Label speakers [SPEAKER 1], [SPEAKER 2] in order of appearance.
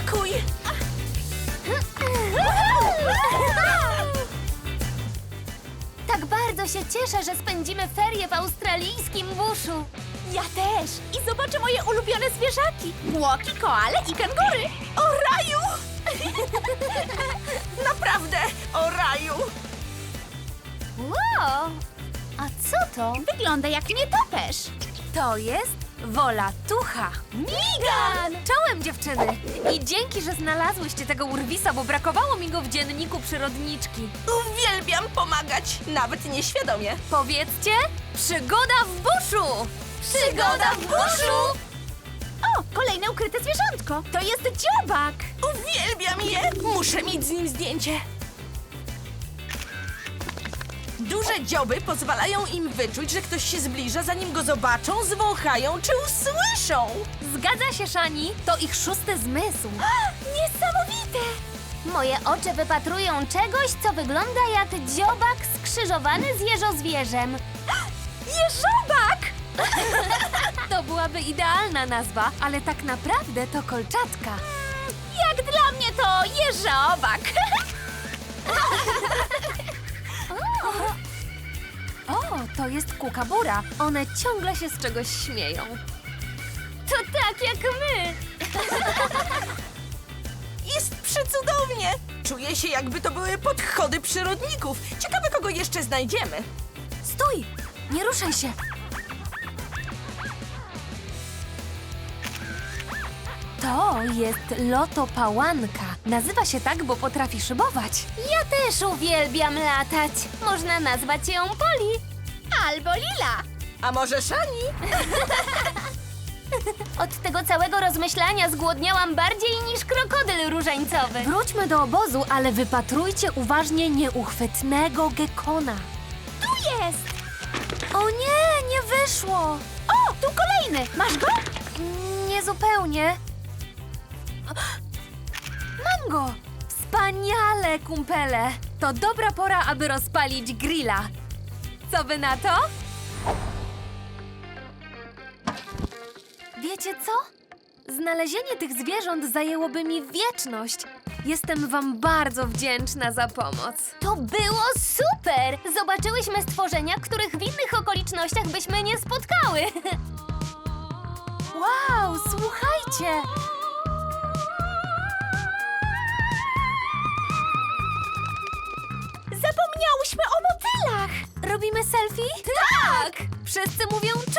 [SPEAKER 1] Dziękuj!
[SPEAKER 2] Tak bardzo się cieszę, że spędzimy ferie w australijskim buszu.
[SPEAKER 3] Ja też! I zobaczę moje ulubione zwierzaki. Łoki, koale i kangury.
[SPEAKER 1] O raju! Naprawdę, o raju!
[SPEAKER 2] Wow! A co to?
[SPEAKER 3] Wygląda jak nietoperz.
[SPEAKER 4] To jest Wolatucha.
[SPEAKER 2] Migan!
[SPEAKER 4] Czołem, dziewczyny! I dzięki, że znalazłyście tego urwisa, bo brakowało mi go w dzienniku przyrodniczki.
[SPEAKER 1] Uwielbiam pomagać, nawet nieświadomie.
[SPEAKER 4] Powiedzcie, przygoda w buszu!
[SPEAKER 2] Przygoda w buszu!
[SPEAKER 3] O, kolejne ukryte zwierzątko. To jest dziobak.
[SPEAKER 1] Uwielbiam je! Muszę mieć z nim zdjęcie. Duże dzioby pozwalają im wyczuć, że ktoś się zbliża, zanim go zobaczą, zwąchają czy usłyszą.
[SPEAKER 4] Zgadza się, Szani, to ich szósty zmysł.
[SPEAKER 3] Niesamowite.
[SPEAKER 2] Moje oczy wypatrują czegoś, co wygląda jak dziobak skrzyżowany z jeżozwierzem.
[SPEAKER 3] Jeżobak!
[SPEAKER 4] To byłaby idealna nazwa, ale tak naprawdę to kolczatka.
[SPEAKER 3] Jak dla mnie to jeżobak.
[SPEAKER 4] O, to jest kukabura. One ciągle się z czegoś śmieją.
[SPEAKER 2] To tak jak my!
[SPEAKER 1] Jest przecudownie! Czuję się, jakby to były podchody przyrodników. Ciekawe, kogo jeszcze znajdziemy.
[SPEAKER 4] Stój! Nie ruszaj się! To jest lotopałanka. Nazywa się tak, bo potrafi szybować.
[SPEAKER 2] Ja też uwielbiam latać. Można nazwać ją Poli.
[SPEAKER 3] Albo lila.
[SPEAKER 1] A może Szani?
[SPEAKER 2] Od tego całego rozmyślania zgłodniałam bardziej niż krokodyl różańcowy.
[SPEAKER 4] Wróćmy do obozu, ale wypatrujcie uważnie nieuchwytnego gekona.
[SPEAKER 3] Tu jest.
[SPEAKER 4] O nie, nie wyszło!
[SPEAKER 3] O, tu kolejny. Masz go?
[SPEAKER 4] Niezupełnie. Mam go! Wspaniale, kumpele! To dobra pora, aby rozpalić grilla. Co wy na to? Wiecie co? Znalezienie tych zwierząt zajęłoby mi wieczność. Jestem wam bardzo wdzięczna za pomoc.
[SPEAKER 2] To było super! Zobaczyłyśmy stworzenia, których w innych okolicznościach byśmy nie spotkały.
[SPEAKER 4] Wow, słuchajcie!
[SPEAKER 3] Zapomniałyśmy o motylach.
[SPEAKER 4] Robimy selfie? Tak! Wszyscy mówią